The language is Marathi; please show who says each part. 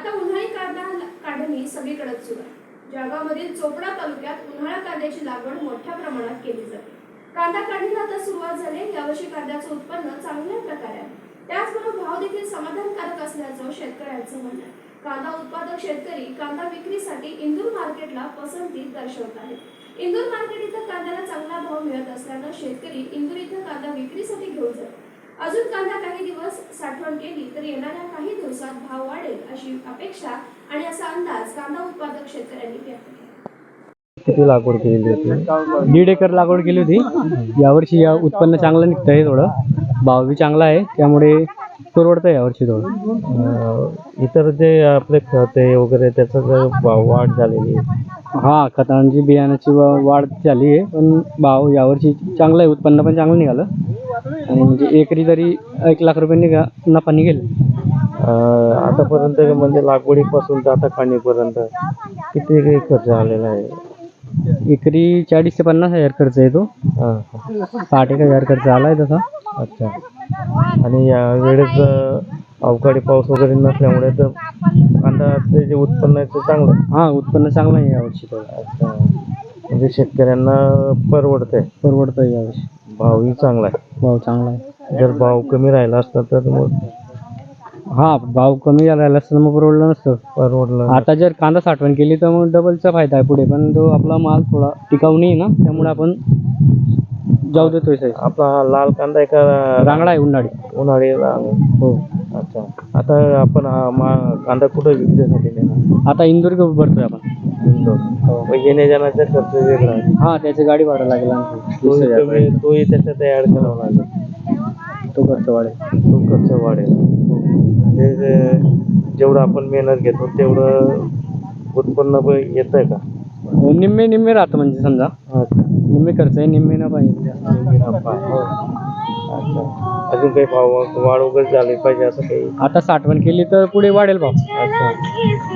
Speaker 1: आता उन्हाळी कांदा काढणी सगळीकडेच सुरू आहे. जळगावमधील चोपडा तालुक्यात उन्हाळा कांद्याची लागवड मोठ्या प्रमाणात केली जाते. कांदा काढणीला आता सुरुवात झाली. यावर्षी कांद्याचं उत्पन्न चांगल्या प्रकारे आहे. त्याचबरोबर भाव देखील समाधानकारक असल्याचं शेतकऱ्यांचं म्हणणं आहे. कांदा उत्पादक शेतकरी कांदा विक्रीसाठी इंदूर मार्केटला पसंती दर्शवत आहेत. इंदूर मार्केट इथं कांद्याला चांगला भाव मिळत असल्यानं शेतकरी इंदूर इथं कांदा विक्रीसाठी घेऊन जातात. अजून कांदा काही दिवस साठवण केली तर येणाऱ्या काही दिवसात भाव वाढेल अशी अपेक्षा आणि असा अंदाज कांदा उत्पादक शेतकऱ्यांनी व्यक्त केला.
Speaker 2: किती लागवड केलेली होती? 1.5 एकर लागवड केली होती. यावर्षी उत्पन्न चांगलं निघतंय, थोडं भाव बी चांगला आहे, त्यामुळे परवडतंय यावर्षी थोडं.
Speaker 3: इतर जे आपले खत आहे वगैरे त्याचा भाव वाढ झालेली आहे.
Speaker 2: हा, खतांची बियाण्याची वाढ झाली आहे, पण भाव यावर्षी चांगलं आहे, उत्पन्न पण चांगलं निघालं आणि म्हणजे एकरी तरी 1 लाख रुपये नफा निघेल.
Speaker 3: आतापर्यंत म्हणजे लागवडीपासून तर आता काढणीपर्यंत किती खर्च आलेला आहे?
Speaker 2: एकरी 40 ते 50 हजार खर्च येतो. 60,000 खर्च आला आहे तसा.
Speaker 3: अच्छा. आणि या वेळेस अवकाळी पाऊस वगैरे नसल्यामुळे तर कांद्याचे जे उत्पन्न आहे ते चांगलं.
Speaker 2: हा, उत्पन्न चांगलं आहे यावर्षी थोडं.
Speaker 3: अच्छा. म्हणजे शेतकऱ्यांना परवडतंय
Speaker 2: यावर्षी.
Speaker 3: भावही चांगला आहे.
Speaker 2: भाव चांगला आहे.
Speaker 3: जर भाव कमी राहिला असता तर मग
Speaker 2: हा, भाव कमी राहिला असता मग परवडलं. आता जर कांदा साठवण केली तर मग डबलचा फायदा आहे पुढे, पण तो आपला माल थोडा टिकाऊ नाही ना, त्यामुळे आपण जाऊ देतोय साईज.
Speaker 3: आपला हा लाल कांदा आहे का
Speaker 2: रांगडा आहे, उन्हाळी.
Speaker 3: हो. अच्छा. आता आपण हा कांदा कुठं विक्रीसाठी नेणार?
Speaker 2: आता इंदूर भरतोय आपण.
Speaker 3: इंदोर. येण्या जाण्याचा खर्च वेगळा आहे.
Speaker 2: हा, त्याची गाडी भाडं लागेल.
Speaker 3: तोही त्याच्यात ऍड करावा लागेल.
Speaker 2: तो खर्च
Speaker 3: वाढेल. म्हणजे जेवढं आपण मेहनत घेतो तेवढं उत्पन्न येतंय का?
Speaker 2: निम्मे राहतं, म्हणजे समजा निम्मे खर्च आहे, निम्मे नफा आहे.
Speaker 3: अच्छा. अजून काही भाव वाढ वगैरे झाली पाहिजे असं काही?
Speaker 2: आता साठवण केली तर पुढे वाढेल भाव.
Speaker 3: अच्छा.